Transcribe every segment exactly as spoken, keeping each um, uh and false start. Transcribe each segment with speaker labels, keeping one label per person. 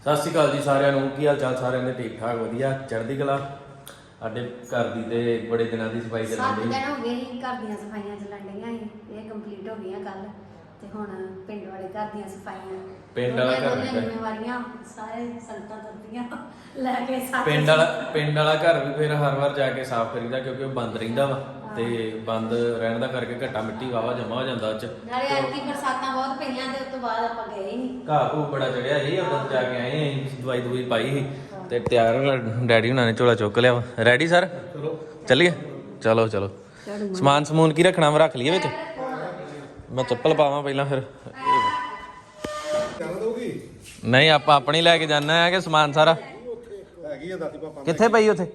Speaker 1: ਸਤਿ ਸ਼੍ਰੀ ਅਕਾਲ ਜੀ ਸਾਰਿਆਂ ਨੂੰ। ਕੀ ਹਾਲ ਚਾਲ ਸਾਰਿਆਂ ਦੇ? ਠੀਕ ਠਾਕ, ਵਧੀਆ, ਚੜ੍ਹਦੀ ਕਲਾ। ਸਾਡੇ ਘਰ ਦੀ ਤੇ ਬੜੇ ਦਿਨਾਂ ਦੀ ਸਫਾਈ ਚੱਲਣ
Speaker 2: ਸੱਤ
Speaker 1: ਡਈ।
Speaker 2: ਦਿਨ ਹੋ ਗਏ ਸੀ ਘਰ ਦੀਆਂ ਸਫਾਈਆਂ ਚੱਲਣ ਡਈਆਂ ਸੀ। ਇਹ ਕੰਪਲੀਟ ਹੋ ਗਈਆਂ ਕੱਲ ਤੇ ਹੁਣ ਪਿੰਡ ਵਾਲੇ ਘਰ ਦੀਆਂ ਸਫਾਈਆਂ,
Speaker 1: ਪਿੰਡ ਵਾਲਾ ਘਰ
Speaker 2: ਦੀਆਂ ਜ਼ਿੰਮੇਵਾਰੀਆਂ ਸਾਰੇ ਸੰਗਤਾਂ ਤੁਰਦੀਆਂ ਲੈ ਕੇ ਸਾਰੇ
Speaker 1: ਪਿੰਡ ਵਾਲਾ ਪਿੰਡ ਵਾਲਾ ਘਰ ਵੀ ਫਿਰ ਹਰ ਵਾਰ ਜਾ ਕੇ ਸਾਫ਼ ਕਰੀਦਾ ਕਿਉਂਕਿ ਉਹ ਬੰਦ ਰਹਿੰਦਾ ਵਾ ਤੇ ਬੰਦ ਰਹਿਣ ਦਾ ਕਰਕੇ ਘੱਟਾ ਮਿੱਟੀ ਵਾਵਾ ਜਮਾ ਹੋ ਜਾਂਦਾ ਉਹ ਚ।
Speaker 2: ਨਾਲੇ ਐਤਕੀ ਬਰਸਾਤਾਂ ਬਹੁਤ ਪਈਆਂ ਤੇ ਉਸ ਤੋਂ ਬਾਅਦ ਆਪਾਂ ਗਏ ਨਹੀਂ।
Speaker 1: ਘਾਹ ਘੂ ਬੜਾ ਚੜਿਆ ਸੀ, ਉਦੋਂ ਜਾ ਕੇ ਆਏ ਅਸੀਂ, ਦਵਾਈ ਦਵਾਈ ਪਾਈ ਸੀ ਤੇ ਤਿਆਰ ਡੈਡੀ ਹੁਣਾਂ ਨੇ ਝੋਲਾ ਚੁੱਕ ਲਿਆ ਵਾ। Ready sir? ਚੱਲੀਏ, ਚਲੋ ਚਲੋ। ਸਮਾਨ ਸਮੂਨ ਕੀ ਰੱਖਣਾ ਵਾ ਰੱਖ ਲਈਏ ਵਿੱਚ। ਮੈਂ ਚੱਪਲ ਪਾਵਾਂ ਪਹਿਲਾਂ ਫਿਰ। ਨਹੀਂ ਆਪਾਂ ਆਪਣੀ ਲੈ ਕੇ ਜਾਣਾ ਹੈ ਕਿ ਸਮਾਨ ਸਾਰਾ ਕਿੱਥੇ ਪਈ ਉੱਥੇ?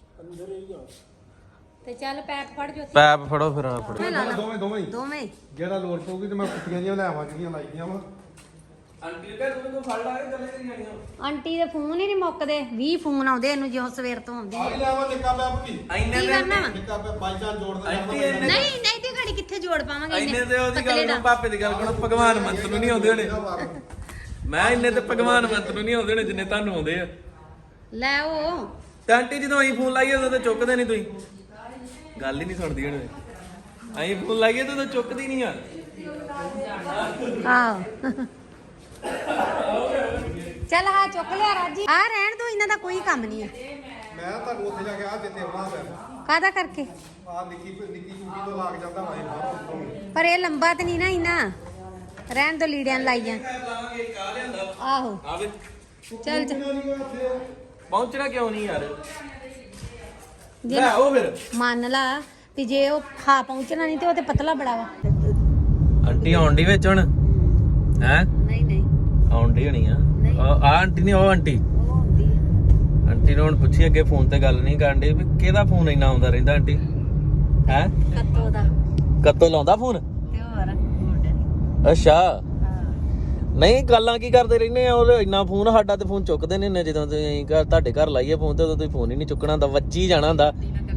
Speaker 2: ਤੇ ਚੱਲ ਪੈਪ ਫੜ ਜੋ।
Speaker 1: ਪੈਪ ਫੜੋ ਫਿਰ ਆ ਫੜੋ
Speaker 3: ਦੋਵੇਂ ਦੋਵੇਂ
Speaker 2: ਦੋਵੇਂ
Speaker 3: ਜਿਹੜਾ ਲੋੜ ਪਊਗੀ ਤੇ ਮੈਂ ਕੁੱਤੀਆਂ ਜੀਆਂ ਲੈ ਆਵਾਂ ਜਿਹੜੀਆਂ ਲਾਈਆਂ ਵਾ।
Speaker 1: ਆਂਟੀ ਦੇ ਘਰ ਤੋਂ ਫੜ ਲਾ ਕੇ ਚੱਲੇ ਕਰੀ ਜਾਣੀਆਂ।
Speaker 2: ਆਂਟੀ ਦੇ ਫੋਨ ਹੀ ਨਹੀਂ ਮੁੱਕਦੇ, ਵੀਹ ਫੋਨ ਆਉਂਦੇ ਇਹਨੂੰ ਜਿਉਂ ਸਵੇਰ ਤੋਂ ਆਉਂਦੀ
Speaker 3: ਆ
Speaker 2: ਹੈ।
Speaker 3: ਵੀ ਲੈ ਆਵਾਂ ਨਿੱਕਾ ਪੈਪ ਕੀ
Speaker 1: ਐਨੇ
Speaker 2: ਕੀ ਕਰਨਾ ਵਾ?
Speaker 3: ਨਿੱਕਾ ਪੈਪ ਬਾਈ ਚਾਂਸ ਜੋੜ ਦੇ
Speaker 1: ਆਂਟੀ
Speaker 3: ਜਾਂਦਾ
Speaker 1: ਇਹਨੇ-
Speaker 2: ਨਹੀਂ ਨਹੀਂ ਤੇ ਘੜੀ ਕਿੱਥੇ ਜੋੜ ਪਾਵਾਂਗੇ
Speaker 1: ਇੰਨੇ ਤੇ ਉਹਦੀ
Speaker 2: ਪਤਲੇ
Speaker 1: ਗੱਲ
Speaker 2: ਦਾ।
Speaker 1: ਨੂੰ ਪਾਪੇ ਦੀ ਗੱਲ ਕਰੋ, ਭਗਵਾਨ ਮੰਤ ਨੂੰ ਨਹੀਂ ਆਉਂਦੇ ਹੋਣੇ। ਮੈਂ ਇੰਨੇ ਤੇ ਭਗਵਾਨ ਮੰਤ ਨੂੰ ਨਹੀਂ ਆਉਂਦੇ ਹੋਣੇ ਜਿੰਨੇ ਤੁਹਾਨੂੰ ਆਉਂਦੇ ਆ।
Speaker 2: ਲੈ ਉਹ
Speaker 1: ਤੇ ਆਂਟੀ ਜਦੋਂ ਅਸੀਂ ਫੋਨ ਲਾਈਏ ਉਦੋਂ ਤਾਂ ਚੁੱਕਦੇ ਨਹੀਂ ਤੁਸੀਂ। ਗੱਲ ਹੀ ਨਹੀਂ ਸੁਣਦੀ ਹੁਣ। ਅਸੀਂ ਫੋਨ ਲਾਈਏ ਤਾਂ ਉਦੋਂ ਚੁੱਕਦੀ ਨਹੀਂ ਆ।
Speaker 2: ਆਹੋ ਚੱਲ ਹਾਂ ਚੁੱਕ ਲਿਆ ਰਾਜੀ। ਆ ਰਹਿਣ ਦੋ, ਇਹਨਾਂ ਦਾ ਕੋਈ ਕੰਮ ਨਹੀਂ ਹੈ।
Speaker 3: ਮੈਂ ਤੁਹਾਨੂੰ ਉੱਥੇ ਜਾ ਕੇ ਆ ਦਿੱਤੇ ਆਉਣਾ ਪੈਪ
Speaker 2: ਕਾਹਦਾ ਕਰਕੇ?
Speaker 3: ਆ ਨਿੱਕੀ ਨਿੱਕੀ ਚੂੜੀ ਤੋਂ ਲੱਗ ਜਾਂਦਾ ਵਾ ਇਹ ਬਾਹਰ।
Speaker 2: ਪਰ ਇਹ ਲੰਬਾ ਤੇ ਨਹੀਂ ਨਾ ਇੰਨਾ, ਰਹਿਣ ਦੋ ਲੀੜਿਆਂ ਨੂੰ ਲਾਈਆਂ। ਆਹੋ
Speaker 1: ਆਵੇ
Speaker 2: ਚੱਲ ਚੱਲ
Speaker 1: ਪਹੁੰਚਣਾ ਕਿਉਂ ਨਹੀਂ ਯਾਰ?
Speaker 2: ਜੇ
Speaker 1: ਲੈ ਉਹ ਫਿਰ
Speaker 2: ਮੰਨ ਲਾ ਵੀ ਜੇ ਉਹ ਖਾ ਪਹੁੰਚਣਾ ਨਹੀਂ ਤੇ ਉਹ ਤੇ ਪਤਲਾ ਬੜਾ ਵਾ।
Speaker 1: ਆਂਟੀ ਆਉਣ ਦੀ ਵਿੱਚ ਹੁਣ ਹੈ?
Speaker 2: ਨਹੀਂ ਨਹੀਂ
Speaker 1: ਆਉਣ ਦੀ ਹੋਣੀ ਆ। ਆ ਆਂਟੀ ਨਹੀਂ, ਉਹ ਆਂਟੀ
Speaker 2: ਉਹ ਹੁੰਦੀ ਹੈ।
Speaker 1: ਆਂਟੀ ਨੂੰ ਹੁਣ ਪੁੱਛੀ ਅੱਗੇ ਫੋਨ ਤੇ ਗੱਲ ਨਹੀਂ ਕਰਨ ਦੀ ਵੀ ਕਿਹਦਾ ਫੋਨ ਇੰਨਾ ਆਉਂਦਾ ਰਹਿੰਦਾ ਆਂਟੀ ਹੈ?
Speaker 2: ਕੱਤੋ ਦਾ
Speaker 1: ਕਦੋਂ ਲਾਉਂਦਾ ਫੋਨ?
Speaker 2: ਤੇ ਹੋਰ ਮੁੰਡੇ
Speaker 1: ਅੱਛਾ,
Speaker 2: ਹਾਂ
Speaker 1: ਨਹੀਂ ਗੱਲਾਂ ਕੀ ਕਰਦੇ ਰਹਿੰਦੇ ਆ? ਉਹ ਇੰਨਾ ਫੋਨ ਸਾਡਾ ਤੇ ਫੋਨ ਚੁੱਕਦੇ ਨੇ ਜਦੋਂ ਤੁਸੀਂ ਘਰ ਤੁਹਾਡੇ ਘਰ ਲਾਈਏ ਫੋਨ ਤੇ ਉਦੋਂ ਤੁਸੀਂ ਫੋਨ ਹੀ ਨਹੀਂ ਚੁੱਕਣਾ ਹੁੰਦਾ, ਵੱਜੀ ਜਾਣਾ ਹੁੰਦਾ।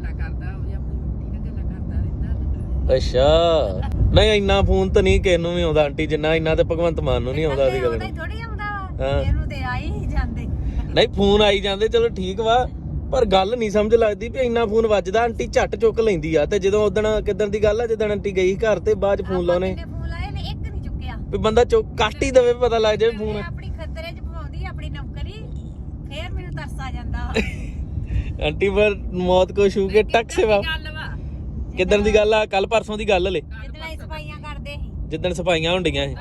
Speaker 1: ਅੱਛਾ, ਨਹੀਂ ਇੰਨਾ ਫੋਨ ਤਾਂ ਨਹੀਂ ਕਿਸੇ ਨੂੰ ਵੀ ਆਉਂਦਾ ਆਂਟੀ ਜਿੰਨਾ ਇੰਨਾ ਤੇ ਭਗਵੰਤ ਮਾਨ ਨੂੰ ਨਹੀਂ ਆਉਂਦਾ ਸੀ ਗੱਲ।
Speaker 2: ਥੋੜੀ ਆਉਂਦਾ ਵਾ,
Speaker 1: ਹਾਂ।
Speaker 2: ਇਹਨੂੰ ਤੇ ਆਈ ਹੀ ਜਾਂਦੇ।
Speaker 1: ਨਹੀਂ ਫੋਨ ਆਈ ਜਾਂਦੇ ਚਲੋ ਠੀਕ ਵਾ, ਪਰ ਗੱਲ ਨਹੀਂ ਸਮਝ ਲੱਗਦੀ ਵੀ ਇੰਨਾ ਫੋਨ ਵੱਜਦਾ। ਆਂਟੀ ਝੱਟ ਚੁੱਕ ਲੈਂਦੀ ਆ। ਤੇ ਜਦੋਂ ਉਦਣ ਕਿੱਦਣ ਦੀ ਗੱਲ ਆ ਜਦੋਂ ਆਂਟੀ ਗਈ ਘਰ ਤੇ ਬਾਅਦ ਚ ਫੋਨ ਲਾਉਣੇ
Speaker 2: ਫੋਨ ਲਾਏ ਨੇ, ਇੱਕ ਨਹੀਂ ਚੁੱਕਿਆ।
Speaker 1: ਵੀ ਬੰਦਾ ਚੁੱਕ ਕੱਟ ਹੀ ਦਵੇ, ਪਤਾ ਲੱਗ ਜਾਵੇ ਫੋਨ।
Speaker 2: ਆਪਣੀ ਖਤਰੇ ਚ ਪਵਾਉਂਦੀ ਆਪਣੀ ਨੌਕਰੀ, ਫੇਰ ਮੈਨੂੰ ਤਰਸ ਆ ਜਾਂਦਾ।
Speaker 1: ਆਂਟੀ ਪਰ ਮੌਤ ਕੋ ਛੂ ਕੇ ਟੱਕ ਸੇਵਾ। ਕਿੱਦਣ ਦੀ ਗੱਲ ਆ? ਕੱਲ ਪਰਸੋਂ ਦੀ ਗੱਲ ਹਲੇ,
Speaker 2: ਜਿੱਦਣ ਅਸੀਂ ਸਫਾਈਆਂ ਕਰਦੇ ਸੀ।
Speaker 1: ਜਿੱਦਣ ਸਫਾਈਆਂ ਹੁੰਦੀਆਂ ਸੀ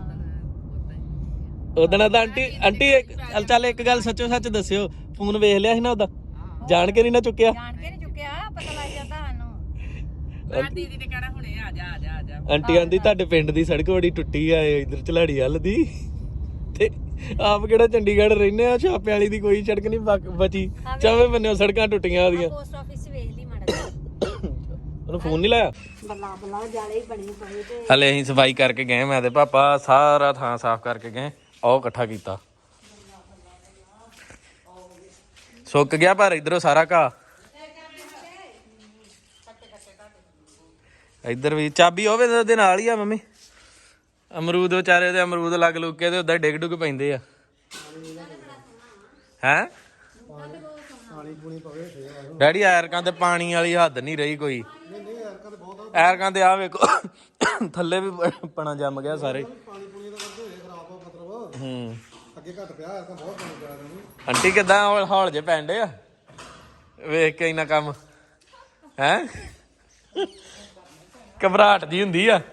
Speaker 1: ਉਦਣ ਤਾਂ ਆਂਟੀ ਆਂਟੀ ਇੱਕ- ਚੱਲ ਇੱਕ ਗੱਲ ਸੱਚੋ ਸੱਚ ਦੱਸਿਓ, ਫੋਨ ਵੇਖ ਲਿਆ ਸੀ ਨਾ ਉਹਦਾ? ਜਾਣ ਕੇ ਨਹੀਂ ਨਾ ਚੁੱਕਿਆ?
Speaker 2: ਜਾਣ ਕੇ ਨਹੀਂ ਚੁੱਕਿਆ, ਪਤਾ ਲੱਗ ਜਾਂਦਾ ਸਾਨੂੰ।
Speaker 1: ਆਂਟੀ
Speaker 2: ਦੀਦੀ ਨੇ ਕਹਿਣਾ ਹੁਣੇ ਆ ਜਾ ਆ ਜਾ ਆ ਜਾ।
Speaker 1: ਆਂਟੀ ਆਂਦੀ ਤੁਹਾਡੇ ਪਿੰਡ ਦੀ ਸੜਕ ਬੜੀ ਟੁੱਟੀ ਆ ਇਧਰ ਝਲਾੜੀ ਵੱਲ ਦੀ, ਤੇ ਆਪ ਕਿਹੜਾ ਚੰਡੀਗੜ੍ਹ ਰਹਿੰਦੇ ਆ, ਛਾਪੇ ਵਾਲੀ ਦੀ ਕੋਈ ਸੜਕ ਨਹੀਂ ਬਚੀ, ਚਾਵੇਂ ਬੰਨਿਓ ਸੜਕਾਂ ਟੁੱਟੀਆਂ ਉਹਦੀਆਂ।
Speaker 2: ਪੋਸਟ ਆਫਿਸ ਵੇਖ ਲਈ ਮਾੜਾ।
Speaker 1: ਉਹਨੂੰ ਫੋਨ ਨਹੀਂ ਲਾਇਆ?
Speaker 2: ਬੱਲਾ ਬੱਲਾ ਜਾਲੇ ਹੀ ਬਣੀ ਪਈ ਤੇ
Speaker 1: ਹਲੇ ਅਸੀਂ ਸਫਾਈ ਕਰਕੇ ਗਏ, ਮੈਂ ਤੇ ਪਾਪਾ ਸਾਰਾ ਥਾਂ ਸਾਫ਼ ਕਰਕੇ ਗਏ। ਉਹ ਇਕੱਠਾ ਕੀਤਾ, ਸੁੱਕ ਗਿਆ ਪਰ ਇਧਰੋਂ ਸਾਰਾ ਘਾਹ। ਇੱਧਰ ਵੀ ਚਾਬੀ ਹੋਵੇ ਉਹਦੇ ਨਾਲ ਹੀ ਆ ਮੰਮੀ। ਅਮਰੂਦ ਵਿਚਾਰੇ ਦੇ ਅਮਰੂਦ ਲੱਗ ਲੁੱਕ ਕੇ ਤੇ ਉਦਾਂ ਡਿੱਗ ਡੁੱਗ ਪੈਂਦੇ ਆ। ਹੈ ਡੈਡੀ ਐਰਕਾਂ ਤੇ ਪਾਣੀ ਵਾਲੀ ਹੱਦ ਨਹੀਂ ਰਹੀ ਕੋਈ। ਐਰਕਾਂ ਤੇ ਆ ਵੇਖੋ ਥੱਲੇ ਵੀ ਪਣਾ ਜੰਮ ਗਿਆ ਸਾਰੇ। ਹੂੰ
Speaker 3: ਅੱਗੇ ਘੱਟ ਪਿਆ ਐਰਕਾ ਬਹੁਤ ਪਾਣੀ ਪਿਆ ਇਹਨੂੰ।
Speaker 1: ਆਂਟੀ ਕਿੱਦਾਂ ਹੌਲ ਹੌਲ ਜੇ ਪੈਂਦੇ ਆ ਵੇਖ ਕੇ ਇੰਨਾ ਕੰਮ ਹੈ? ਘਬਰਾਹਟ ਦੀ ਹੁੰਦੀ ਆ।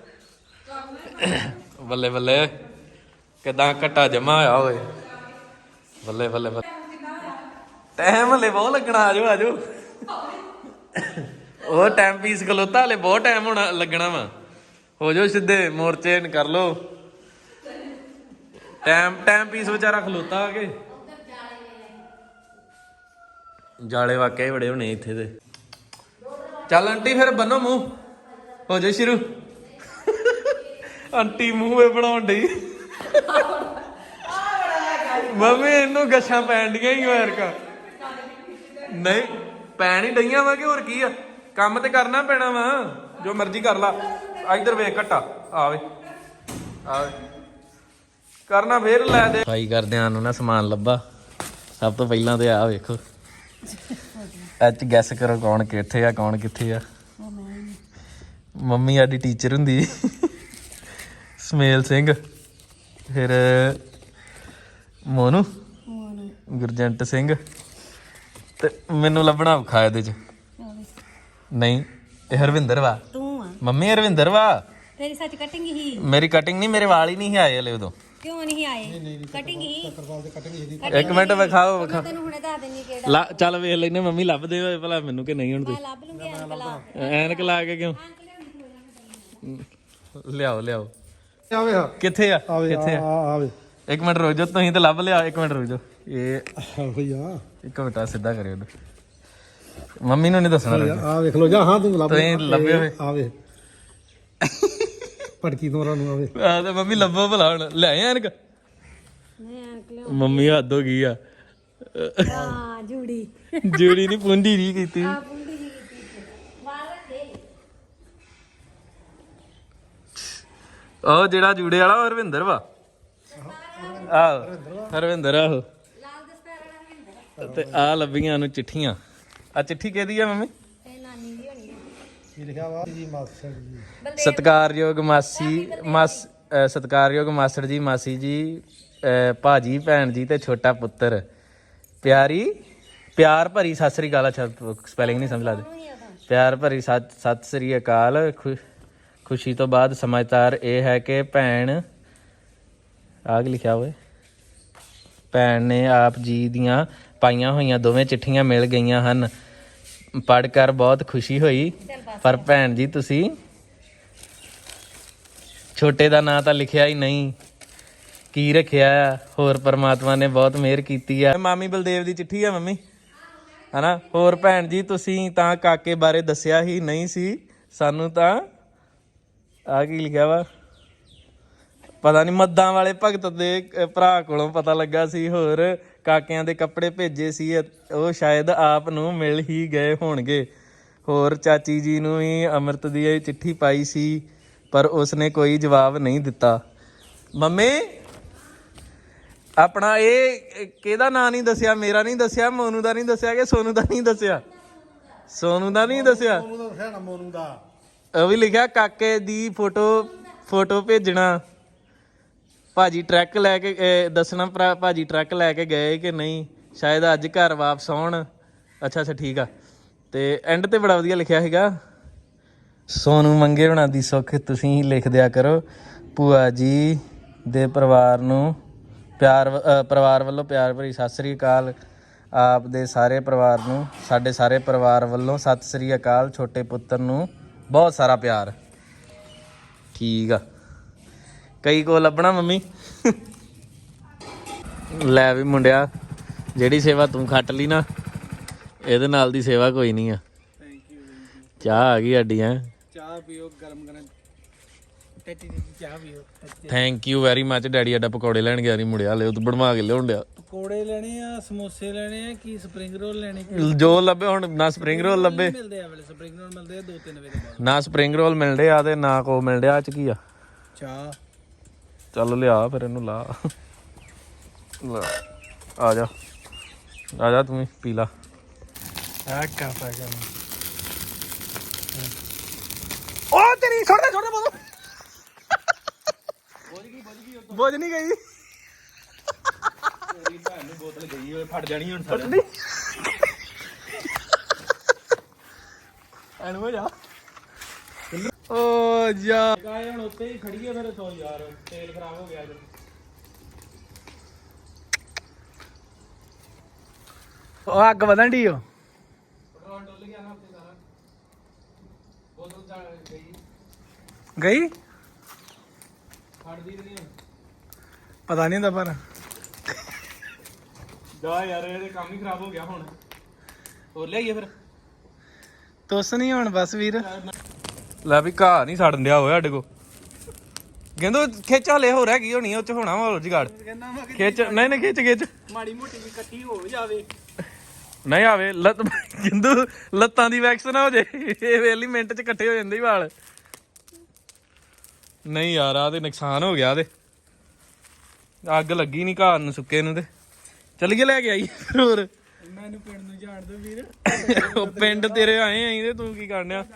Speaker 1: ਬੱਲੇ ਬੱਲੇ ਕਿੱਦਾਂ ਘੱਟਾ ਜਮਾ ਹੋਇਆ ਹੋਵੇ। ਬੱਲੇ ਬੱਲੇ ਬੱਲੇ ਟਾਈਮ ਹਲੇ ਬਹੁਤ ਲੱਗਣਾ। ਆਜੋ ਆਜੋ, ਉਹ ਟਾਈਮ ਪੀਸ ਖਲੋਤਾ ਹਲੇ ਬਹੁਤ ਟਾਈਮ ਹੋਣਾ ਲੱਗਣਾ ਵਾ। ਹੋ ਜਾਓ ਸਿੱਧੇ ਮੋਰਚੇ ਕਰ ਲੋ। ਟਾਈਮ ਟਾਈਮ ਪੀਸ ਵਿਚਾਰਾ ਖਲੋਤਾ ਆ ਕੇ। ਜਾਲੇ ਵਾਕਿਆ ਹੀ ਬੜੇ ਹੋਣੇ ਇੱਥੇ ਤੇ। ਚੱਲ ਆਂਟੀ ਫਿਰ ਬੰਨੋ ਮੂੰਹ, ਹੋ ਜਾ ਸ਼ੁਰੂ। ਆਂਟੀ ਮੂੰਹ ਵੇ ਬਣਾਉਣ ਡਈ। ਮੰਮੀ ਇਹਨੂੰ ਗੱਛਾਂ ਪੈਣ ਡੀਆਂ ਹੀ ਐਰਕਾ। ਨਹੀਂ ਪੈਣ ਹੀ ਡਈਆਂ ਵਾ ਕਿ ਹੋਰ ਕੀ ਆ? ਕੰਮ ਤੇ ਕਰਨਾ ਪੈਣਾ ਵਾ, ਜੋ ਮਰਜ਼ੀ ਕਰ ਲਾ। ਇੱਧਰ ਵੇਖ ਘੱਟਾ ਆਵੇ ਆਵੇ ਕਰਨਾ ਫੇਰ ਲੈ ਦੇ ਸਫਾਈ ਕਰਦਿਆਂ ਨੂੰ ਨਾ ਸਮਾਨ ਲੱਭਾ। ਸਭ ਤੋਂ ਪਹਿਲਾਂ ਤੇ ਆ ਵੇਖੋ ਅੱਜ ਗੈਸ ਕਰੋ ਕੌਣ ਕਿੱਥੇ ਆ ਕੌਣ ਕਿੱਥੇ ਆ। ਮੰਮੀ ਸਾਡੀ ਟੀਚਰ ਹੁੰਦੀ ਸਮੇਲ ਸਿੰਘ, ਫਿਰ ਮੋਨੂ, ਗੁਰਜੰਟ ਸਿੰਘ, ਤੇ ਮੈਨੂੰ ਲੱਭਣਾ ਔਖਾ ਇਹਦੇ ਚ। ਨਹੀਂ ਇਹ ਹਰਵਿੰਦਰ ਵਾ,
Speaker 2: ਤੂੰ ਆ
Speaker 1: ਮੰਮੀ ਹਰਵਿੰਦਰ ਵਾ।
Speaker 2: ਤੇਰੀ ਸੱਚ ਕਟਿੰਗ ਹੀ?
Speaker 1: ਮੇਰੀ ਕਟਿੰਗ ਨਹੀਂ, ਮੇਰੇ ਵਾਲ ਹੀ ਨਹੀਂ ਆਏ ਹਲੇ ਉਦੋਂ।
Speaker 2: ਕਿਉਂ ਨਹੀਂ ਆਏ? ਕਟਿੰਗ ਹੀ?
Speaker 1: ਇੱਕ ਮਿੰਟ ਵਿਖਾਓ ਵਿਖਾ
Speaker 2: ਤੈਨੂੰ ਹੁਣੇ ਦੱਸ ਦਿੰਨੀ ਕਿਹੜਾ।
Speaker 1: ਲਾ ਚੱਲ ਵੇਖ ਲੈਨੇ ਮੰਮੀ ਲੱਭਦੇ ਹੋਏ ਭਲਾ ਮੈਨੂੰ ਕਿ ਨਹੀਂ ਹੁਣ
Speaker 2: ਮੈਂ ਲੱਭ ਲੂੰਗੀ ਅੰਕਲ।
Speaker 1: ਐਨਕ ਲਾ ਕੇ ਕਿਉਂ ਲਿਆਓ ਲਿਆਓ।
Speaker 3: ਆਵੇ ਹਾਂ
Speaker 1: ਕਿੱਥੇ ਆ
Speaker 3: ਆਵੇ
Speaker 1: ਕਿੱਥੇ ਆ?
Speaker 3: ਆਵੇ
Speaker 1: ਇੱਕ ਮਿੰਟ ਰੁਕ ਜਾਓ, ਤੁਸੀਂ ਤਾਂ ਲੱਭ ਲਿਆ। ਇੱਕ ਮਿੰਟ ਰੁਕ ਜਾਓ, ਇਹ
Speaker 3: ਭਈਆ
Speaker 1: ਇੱਕ ਮਿੰਟ ਆ ਸਿੱਧਾ ਕਰਿਓ ਇਹਨੂੰ। ਮੰਮੀ ਨੂੰ ਨਹੀਂ ਦੱਸਣਾ ਲੱਗਾ।
Speaker 3: ਆ ਵੇਖ ਲੋ ਜਾ। ਹਾਂ ਤੂੰ ਲੱਭ
Speaker 1: ਤੁਸੀਂ ਲੱਭੇ ਹੋਏ
Speaker 3: ਆਵੇ ਪਟਕੀ ਤੋਂ ਨੂੰ ਆਵੇ।
Speaker 1: ਆ ਤੇ ਮੰਮੀ ਲੱਭੋ ਭਲਾ ਹੁਣ। ਲੈ ਆਏ ਐਨਕ?
Speaker 2: ਨਹੀਂ ਅੰਕਲ।
Speaker 1: ਮੰਮੀ ਹੱਦ ਹੋ ਗਈ ਆ।
Speaker 2: ਹਾਂ ਜੂੜੀ
Speaker 1: ਜੂੜੀ ਨਹੀਂ ਪੁੰਡੀ ਨਹੀਂ ਕੀਤੀ।
Speaker 2: ਆ ਪੁੰਡੀ ਜੀ ਕੀਤੀ ਬਾਹਰ ਰੱਖੇ।
Speaker 1: ਉਹ ਜਿਹੜਾ ਜੂੜੇ ਵਾਲਾ ਉਹ ਹਰਵਿੰਦਰ ਵਾ। ਆਹੋ ਹਰਵਿੰਦਰ ਆਹੋ।
Speaker 2: ਲਾਲ ਦਸਤਾਰ ਵਾਲਾ
Speaker 1: ਤੇ ਆ ਲੱਭੀਆਂ ਨੂੰ ਚਿੱਠੀਆਂ। ਆ ਚਿੱਠੀ ਕਿਹਦੀ ਆ ਮੰਮੀ?
Speaker 2: ਇਹ ਨਾਨੀ ਦੀ ਹੋਣੀ ਹੈ।
Speaker 3: ਕੀ ਲਿਖਿਆ ਵਾ ਜੀ ਮਾਸਟਰ ਜੀ?
Speaker 1: ਸਤਿਕਾਰਯੋਗ ਮਾਸੀ ਮਾਸ ਅਹ ਸਤਿਕਾਰਯੋਗ ਮਾਸਟਰ ਜੀ, ਮਾਸੀ ਜੀ, ਅਹ ਭਾਜੀ, ਭੈਣ ਜੀ ਤੇ ਛੋਟਾ ਪੁੱਤਰ, ਪਿਆਰੀ ਪਿਆਰ ਭਰੀ ਸਤਿ ਸ੍ਰੀ ਅਕਾਲ। ਅੱਛਾ ਸਪੈਲਿੰਗ ਨਹੀਂ ਸਮਝ ਲੱਗਦੀ। ਪਿਆਰ ਭਰੀ ਸਤਿ ਸਤਿ ਸ੍ਰੀ ਅਕਾਲ। ਖੁ- ਖੁਸ਼ੀ ਤੋਂ ਬਾਅਦ ਸਮਾਚਾਰ ਇਹ ਹੈ ਕਿ ਭੈਣ ਆਗ ਲਿਖਿਆ ਹੋਵੇ ਭੈਣ ਨੇ ਆਪ ਜੀ ਦੀਆਂ ਪਾਈਆਂ ਹੋਈਆਂ ਦੋਵੇਂ ਚਿੱਠੀਆਂ ਮਿਲ ਗਈਆਂ ਹਨ। ਪੜ੍ਹ ਕਰ ਬਹੁਤ ਖੁਸ਼ੀ ਹੋਈ। ਪਰ ਭੈਣ ਜੀ ਤੁਸੀਂ ਛੋਟੇ ਦਾ ਨਾਂ ਤਾਂ ਲਿਖਿਆ ਹੀ ਨਹੀਂ, ਕੀ ਰੱਖਿਆ ਆ? ਹੋਰ ਪਰਮਾਤਮਾ ਨੇ ਬਹੁਤ ਮਿਹਰ ਕੀਤੀ ਆ। ਮਾਮੀ ਬਲਦੇਵ ਦੀ ਚਿੱਠੀ ਆ ਮੰਮੀ, ਹਨਾ? ਹੋਰ ਭੈਣ ਜੀ ਤੁਸੀਂ ਤਾਂ ਕਾਕੇ ਬਾਰੇ ਦੱਸਿਆ ਹੀ ਨਹੀਂ ਸੀ ਸਾਨੂੰ। ਤਾਂ ਆ ਕੀ ਲਿਖਿਆ ਵਾ ਪਤਾ ਨਹੀਂ। ਮੱਦਾਂ ਵਾਲੇ ਭਗਤ ਦੇ ਅਹ ਭਰਾ ਕੋਲੋਂ ਪਤਾ ਲੱਗਾ ਸੀ। ਹੋਰ ਕਾਕਿਆਂ ਦੇ ਕੱਪੜੇ ਭੇਜੇ ਸੀ, ਉਹ ਸ਼ਾਇਦ ਆਪ ਨੂੰ ਮਿਲ ਹੀ ਗਏ ਹੋਣਗੇ। ਹੋਰ ਚਾਚੀ ਜੀ ਨੂੰ ਵੀ ਅੰਮ੍ਰਿਤ ਦੀ ਇਹ ਚਿੱਠੀ ਪਾਈ ਸੀ ਪਰ ਉਸਨੇ ਕੋਈ ਜਵਾਬ ਨਹੀਂ ਦਿੱਤਾ। ਮੰਮੀ ਆਪਣਾ ਇਹ ਕਿਹਦਾ ਨਾਂ ਨਹੀਂ ਦੱਸਿਆ? ਮੇਰਾ ਨਹੀਂ ਦੱਸਿਆ, ਮੋਨੂ ਦਾ ਨਹੀਂ ਦੱਸਿਆ ਕਿ ਸੋਨੂ ਦਾ ਨਹੀਂ ਦੱਸਿਆ? ਸੋਨੂ ਦਾ ਨਹੀਂ ਦੱਸਿਆ।
Speaker 3: ਮੋਨੂ ਦਾ ਦੱਸਿਆ ਨਾ, ਮੋਨੂ ਦਾ।
Speaker 1: ਉਹ ਵੀ ਲਿਖਿਆ ਕਾਕੇ ਦੀ ਫੋਟੋ ਫੋਟੋ ਭੇਜਣਾ। ਭਾਜੀ ਟਰੱਕ ਲੈ ਕੇ ਅਹ ਦੱਸਣਾ ਭਰਾ ਭਾਜੀ ਟਰੱਕ ਲੈ ਕੇ ਗਏ ਕਿ ਨਹੀਂ, ਸ਼ਾਇਦ ਅੱਜ ਘਰ ਵਾਪਸ ਆਉਣ। ਅੱਛਾ ਅੱਛਾ ਠੀਕ ਆ। ਤੇ ਐਂਡ ਤੇ ਬੜਾ ਵਧੀਆ ਲਿਖਿਆ ਸੀਗਾ, ਸੋਨੂ ਮੰਗੇ ਹੋਣਾ ਦੀ ਸੁੱਖ ਤੁਸੀਂ ਲਿਖ ਦਿਆ ਕਰੋ। ਭੂਆ ਜੀ ਦੇ ਪਰਿਵਾਰ ਨੂੰ ਪਿਆਰ ਅਹ ਪਰਿਵਾਰ ਵੱਲੋਂ ਪਿਆਰ ਭਰੀ ਸਤਿ ਸ੍ਰੀ ਅਕਾਲ। ਆਪ ਦੇ ਸਾਰੇ ਪਰਿਵਾਰ ਨੂੰ ਸਾਡੇ ਸਾਰੇ ਪਰਿਵਾਰ ਵੱਲੋਂ ਸਤਿ ਸ੍ਰੀ ਅਕਾਲ। ਛੋਟੇ ਪੁੱਤਰ ਨੂੰ ਬਹੁਤ ਸਾਰਾ ਪਿਆਰ। ਠੀਕ ਆ। ਕਈ ਕੋ ਲੱਭਣਾ ਮੰਮੀ। ਲੈ ਵੀ ਮੁੰਡਿਆ, ਜਿਹੜੀ ਸੇਵਾ ਤੂੰ ਖੱਟ ਲਈ ਨਾ, ਇਹਦੇ ਨਾਲ ਦੀ ਸੇਵਾ ਕੋਈ ਨਹੀਂ ਆ। ਚਾਹ ਆ ਗਈ ਸਾਡੀ। ਹੈ
Speaker 3: ਚਾਹ ਪੀਓ ਗਰਮ ਗਰਮ ਟੱਟੀ ਦੀ ਚਾਹ ਪੀਓ।
Speaker 1: Thank you very much. Daddy ਸਾਡਾ ਪਕੌੜੇ ਲੈਣ ਗਿਆ ਨਹੀਂ ਮੁੜਿਆ, ਲੈ ਉਹ ਬਣਵਾ ਕੇ ਲਿਆਉਣ ਡਿਆ।
Speaker 4: ਪਕੌੜੇ ਲੈਣੇ ਆ, ਸਮੋਸੇ ਲੈਣੇ ਆ, ਕੀ ਸਪਰਿੰਗ ਰੋਲ ਲੈਣੇ?
Speaker 1: ਜੋ ਲੱਭੇ ਹੁਣ, ਨਾ ਸਪਰਿੰਗ ਰੋਲ ਲੱਭੇ,
Speaker 4: ਮਿਲਦੇ ਆ ਵੇਲੇ ਸਪਰਿੰਗ ਰੋਲ ਮਿਲਦੇ ਆ ਦੋ ਤਿੰਨ ਵਜੇ ਬਾਅਦ।
Speaker 1: ਨਾ ਸਪਰਿੰਗ ਰੋਲ ਮਿਲਦੇ ਆ ਤੇ ਨਾ ਕੋ ਮਿਲ ਡਿਆ। ਚ ਕੀ ਆ?
Speaker 4: ਚਾਹ।
Speaker 1: ਚੱਲ ਲਿਆ ਫਿਰ ਇਹਨੂੰ ਲਾ। ਲੈ, ਆ ਜਾ ਆ ਜਾ ਤੂੰ ਵੀ ਪੀ ਲਾ।
Speaker 4: ਆ ਕਾਪਾ ਕਰ।
Speaker 1: ਉਹ ਤੇਰੀ ਛੋੜ ਦੇ ਛੋੜ ਦੇ ਬੋਲ। ਬੋਝ ਗਈ ਬੋਝ ਗਈ ਬੋਝ ਨਹੀਂ ਗਈ। ਤੇਰੀ ਭੈਣ ਨੂੰ ਬੋਤਲ ਗਈ ਓਏ, ਫਟ ਜਾਣੀ ਹੁਣ ਸਾਡੀ। ਐਨ ਹੋ ਜਾ। ਓ ਜਾ
Speaker 4: ਗਾਏ ਹੁਣ ਉੱਤੇ ਹੀ ਖੜੀ ਆ ਮੇਰੇ ਸੌ ਯਾਰ, ਤੇਲ ਖਰਾਬ ਹੋ ਗਿਆ ਅੱਜ।
Speaker 1: ਉਹ ਅੱਗ ਵਧਣ ਢੀ ਓ।
Speaker 4: ਪੈਟਰੋਲ ਡੁੱਲ ਗਿਆ ਨਾ ਉੱਤੇ ਸਾਰਾ। ਬੋਤਲ ਜਾ ਗਈ,
Speaker 1: ਗਈ
Speaker 4: ਫੜਦੀ ਨਹੀਂ ਹੁਣ।
Speaker 1: ਪਤਾ ਨਹੀਂ ਹੁੰਦਾ ਪਰ
Speaker 4: ਜਾ ਯਾਰ, ਇਹਦੇ ਕੰਮ ਹੀ ਖਰਾਬ ਹੋ ਗਿਆ ਹੁਣ। ਹੋਰ ਲਿਆਈਏ ਫਿਰ?
Speaker 1: ਤੁਸ ਨਹੀਂ ਹੁਣ ਬਸ ਵੀਰ। ਲੈ ਵੀ ਘਾਹ ਨਹੀਂ ਸੜਨ ਦਿਆ ਹੋਇਆ ਸਾਡੇ ਕੋ। ਕਹਿੰਦੋ ਖਿੱਚ ਹਲੇ ਹੋ ਰਹਿ ਗਈ ਹੋਣੀ, ਉਹ ਚ ਹੋਣਾ ਵਾ ਜੁਗਾੜ। ਖਿੱਚ ਨਹੀਂ ਨਹੀਂ ਖਿੱਚ ਖਿੱਚ
Speaker 4: ਮਾੜੀ ਮੋਟੀ ਵੀ ਇਕੱਠੀ ਹੋ ਜਾਵੇ।
Speaker 1: ਨਹੀਂ ਆਵੇ ਲੱਤ। ਕਹਿੰਦੋ ਲੱਤਾਂ ਦੀ ਵੈਕਸ ਨਾ ਹੋ ਜੇ, ਇਹ ਵੇਲੀ ਮਿੰਟ ਚ ਇਕੱਠੇ ਹੋ ਜਾਂਦੇ ਹੀ ਵਾਲ। ਨਹੀਂ ਯਾਰ ਆ ਤੇ ਨੁਕਸਾਨ ਹੋ ਗਿਆ ਤੇ ਅੱਗ ਲੱਗੀ ਨਹੀਂ ਘਾਹ ਨੂੰ ਸੁੱਕੇ ਨੂੰ ਤੇ ਚੱਲੀਏ ਲੈ ਕੇ ਆਈ ਫਿਰ ਹੋਰ
Speaker 4: ਮੈਨੂੰ ਪਿੰਡ ਨੂੰ ਜਾਣ ਦੋ ਵੀਰ
Speaker 1: ਉਹ ਪਿੰਡ ਤੇਰੇ ਆਏ ਆਂ ਤੇ ਤੂੰ ਕੀ ਕਰਨਿਆ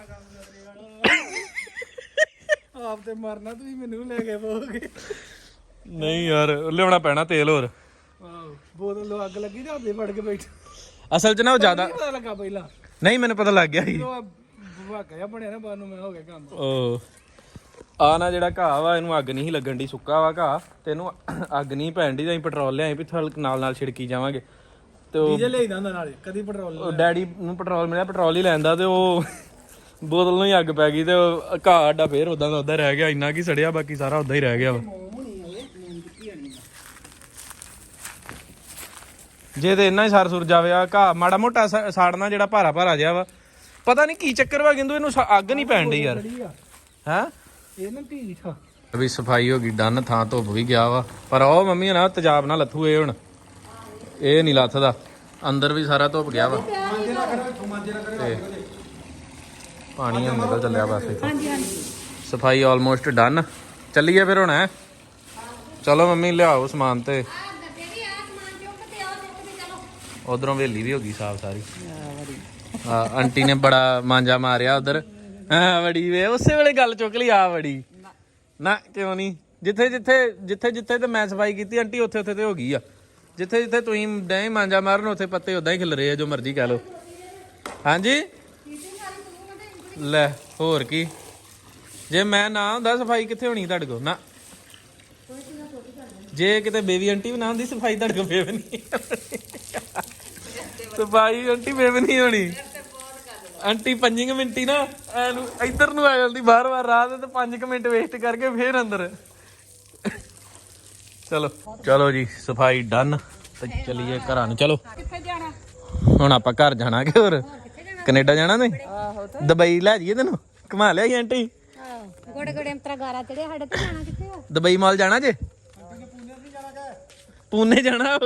Speaker 4: ਆਪ ਤੇ ਮਰਨਾ ਤੁਸੀਂ ਮੈਨੂੰ ਲੈ ਕੇ ਪੋਗੇ
Speaker 1: ਨਹੀਂ ਯਾਰ ਲਿਆਉਣਾ ਪੈਣਾ ਤੇਲ ਹੋਰ
Speaker 4: ਆਹੋ ਬੋਤਲ ਨੂੰ ਅੱਗ ਲੱਗੀ ਤੇ ਹੱਥੇ ਫੜ ਕੇ ਬੈਠ
Speaker 1: ਅਸਲ 'ਚ ਨਾ ਉਹ ਜ਼ਿਆਦਾ
Speaker 4: ਪਤਾ ਲੱਗਾ ਪਹਿਲਾਂ
Speaker 1: ਨਹੀਂ ਮੈਨੂੰ ਪਤਾ ਲੱਗ ਗਿਆ ਸੀ
Speaker 4: ਉਹ ਵਾਕਾ ਜਿਹਾ ਬਣਿਆ ਨਾ ਬਾਹਰ ਨੂੰ ਮੈਂ ਹੋ ਗਿਆ ਕੰਮ
Speaker 1: ਉਹ ਆ ਨਾ ਜਿਹੜਾ ਘਾਹ ਵਾ ਇਹਨੂੰ ਅੱਗ ਨਹੀਂ ਸੀ ਲੱਗਣ ਦੀ ਸੁੱਕਾ ਵਾ ਘਾਹ ਤੇ ਇਹਨੂੰ ਅੱਗ ਨਹੀਂ ਪੈਣ ਦੀ ਤਾਂ ਅਸੀਂ ਪੈਟਰੋਲ ਲਿਆਏ ਵੀ ਥਲ ਨਾਲ ਨਾਲ ਛਿੜਕੀ ਜਾਵਾਂਗੇ ਤੇ ਉਹ
Speaker 4: ਡੀਜ਼ਲ ਲਿਆਈਦਾ ਹੁੰਦਾ ਨਾਲੇ ਕਦੀ ਪੈਟਰੋਲ
Speaker 1: ਉਹ ਡੈਡੀ ਨੂੰ ਪੈਟਰੋਲ ਮਿਲਿਆ ਪੈਟਰੋਲ ਹੀ ਲੈਂਦਾ ਤੇ ਉਹ ਬੋਤਲ ਨੂੰ ਹੀ ਅੱਗ ਪੈ ਗਈ ਤੇ ਉਹ ਘਾਹ ਆਡਾ ਫੇਰ ਉਦਾਂ ਦਾ ਉਦਾਂ ਰਹਿ ਗਿਆ ਇੰਨਾ ਕੀ ਸੜਿਆ ਬਾਕੀ ਸਾਰਾ ਉਦਾਂ ਹੀ ਰਹਿ ਗਿਆ ਵਾ ਜੇ ਤੇ ਇੰਨਾ ਹੀ ਸਰ ਸੁਰ ਜਾਵੇ ਆ ਘਾਹ ਮਾੜਾ ਮੋਟਾ ਸ- ਸਾੜਨਾ ਜਿਹੜਾ ਭਾਰਾ ਭਾਰਾ ਜਿਹਾ ਵਾ ਪਤਾ ਨਹੀਂ ਕੀ ਚੱਕਰ ਵਾ ਕਹਿੰਦੇ ਇਹਨੂੰ ਸ- ਅੱਗ ਨਹੀਂ ਪੈਣ ਡਈ ਯਾਰ ਹੈਂ
Speaker 4: ਇਹ ਨਾ ਢੀਠ ਆ
Speaker 1: ਵੀ ਸਫਾਈ ਹੋ ਗਈ ਡਨ ਥਾਂ ਧੁੱਪ ਵੀ ਗਿਆ ਵਾ ਪਰ ਉਹ ਮੰਮੀ ਨਾ ਤੇਜ਼ਾਬ ਨਾਲ ਲੱਥੂ ਇਹ ਹੁਣ ਇਹ ਨਹੀਂ ਲੱਥਦਾ ਅੰਦਰ ਵੀ ਸਾਰਾ ਧੁੱਪ ਗਿਆ ਵਾ ਤੇ ਪਾਣੀ ਹੁਣ ਨਿਕਲ ਚੱਲਿਆ ਬਸ ਇੱਥੋਂ ਸਫਾਈ ਆਲਮੋਸਟ ਡਨ ਚੱਲੀਏ ਫਿਰ ਹੁਣ ਹੈ ਚਲੋ ਮੰਮੀ ਲਿਆਓ ਸਮਾਨ ਤੇ ਉਧਰੋਂ ਹਵੇਲੀ ਵੀ ਹੋ ਗਈ ਸਾਫ ਸਾਰੀ ਹਾਂ ਆਂਟੀ ਨੇ ਬੜਾ ਮਾਂਜਾ ਮਾਰਿਆ ਉਧਰ ਹਾਂ ਵੜੀ ਵੇ ਉਸੇ ਵੇਲੇ ਗੱਲ ਚੁੱਕ ਲਈ ਆ ਵੜੀ ਨਾ ਕਿਉਂ ਨਹੀਂ ਜਿੱਥੇ ਜਿੱਥੇ ਜਿੱਥੇ ਜਿੱਥੇ ਤੇ ਮੈਂ ਸਫਾਈ ਕੀਤੀ ਆਂਟੀ ਉੱਥੇ ਉੱਥੇ ਤੇ ਹੋ ਗਈ ਆ ਜਿੱਥੇ ਜਿੱਥੇ ਤੁਸੀਂ ਡੈ ਮਾਂਜਾ ਮਾਰਨ ਉੱਥੇ ਪੱਤੇ ਉਦਾਂ ਹੀ ਖਿਲ ਰਹੇ ਆ ਜੋ ਮਰਜ਼ੀ ਕਹਿ ਲਓ ਹਾਂਜੀ ਲੈ ਹੋਰ ਕੀ ਜੇ ਮੈਂ ਨਾ ਹੁੰਦਾ ਸਫਾਈ ਕਿੱਥੇ ਹੋਣੀ ਤੁਹਾਡੇ ਕੋਲ ਨਾ ਜੇ ਕਿਤੇ ਬੇਬੀ ਆਂਟੀ ਵੀ ਨਾ ਹੁੰਦੀ ਸਫਾਈ ਤੁਹਾਡੇ ਕੋਲ ਫੇਰ ਨਹੀਂ ਸਫਾਈ ਆਂਟੀ ਫੇਰ ਨਹੀਂ ਹੋਣੀ ਆਂਟੀ ਪੰਜ ਕੁ ਮਿੰਟ ਹੀ ਨਾ ਐਨੂੰ ਇੱਧਰ ਨੂੰ ਆ ਜਾਂਦੀ ਬਾਰ ਬਾਰ ਰਾਤ ਤੇ ਪੰਜ ਕੁ ਮਿੰਟ ਵੇਸਟ ਕਰਕੇ ਫੇਰ ਅੰਦਰ ਚਲੋ ਚਲੋ ਜੀ ਸਫਾਈ ਡਨ ਤੇ ਚਲੀਏ ਘਰਾਂ ਨੂੰ ਚਲੋ
Speaker 2: ਕਿੱਥੇ ਜਾਣਾ
Speaker 1: ਹੁਣ ਆਪਾਂ ਘਰ ਜਾਣਾ ਕਿ ਹੋਰ ਕੈਨੇਡਾ ਜਾਣਾ ਨਹੀਂ ਦੁਬਈ ਲੈ ਜਾਈਏ ਤੈਨੂੰ ਘੁਮਾ ਲਿਆਈ ਆਂਟੀ
Speaker 2: ਗੋੜੇ ਗੋੜੇ ਅੰਤਰਾ ਗਾਰਾ ਚੜਿਆ ਸਾਡੇ ਤੇ ਜਾਣਾ ਕਿੱਥੇ ਆ
Speaker 1: ਦੁਬਈ ਮਾਲ ਜਾਣਾ ਜੇ ਪੂਨੇ ਜਾਣਾ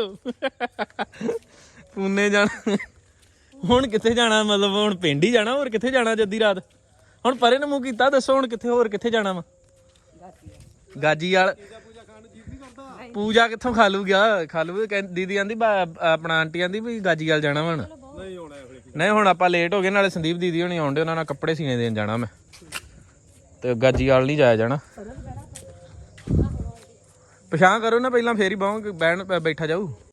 Speaker 1: ਪੂਨੇ ਜਾਣਾ ਹੁਣ ਕਿੱਥੇ ਜਾਣਾ ਮਤਲਬ ਹੁਣ ਪਿੰਡ ਹੀ ਜਾਣਾ ਹੋਰ ਕਿੱਥੇ ਜਾਣਾ ਜੱਦੀ ਰਾਤ ਹੁਣ ਪਰੇ ਨੂੰ ਮੂੰਹ ਕੀਤਾ ਦੱਸੋ ਹੁਣ ਕਿੱਥੇ ਹੋਰ ਕਿੱਥੇ ਜਾਣਾ ਵਾ ਗਾਜੀ ਵਾਲ ਪੂਜਾ ਕਿੱਥੋਂ ਖਾ ਲੂ ਗਿਆ ਖਾ ਲੂ ਦੀਦੀ ਆਂਦੀ ਆਪਣਾ ਆਂਟੀ ਆਂਦੀ ਵੀ ਗਾਜੀ ਵਾਲ ਜਾਣਾ ਹੁਣ
Speaker 3: ਨਹੀਂ ਹੋਣਾ
Speaker 1: ਨਹੀਂ ਹੁਣ ਆਪਾਂ ਲੇਟ ਹੋ ਗਏ ਨਾਲੇ ਸੰਦੀਪ ਦੀਦੀ ਹੋਣੀ ਆਉਂਦੇ ਉਹਨਾਂ ਨਾਲ ਕੱਪੜੇ ਸੀਨੇ ਦੇਣ ਜਾਣਾ ਮੈਂ ਤੇ ਗਾਜੀ ਵਾਲ ਨਹੀਂ ਜਾਇਆ ਜਾਣਾ ਪਛਾਣ ਕਰੋ ਨਾ ਪਹਿਲਾਂ ਫੇਰ ਹੀ ਬਾਹੋਂ ਬੈਠ ਬੈਠਾ ਜਾਊ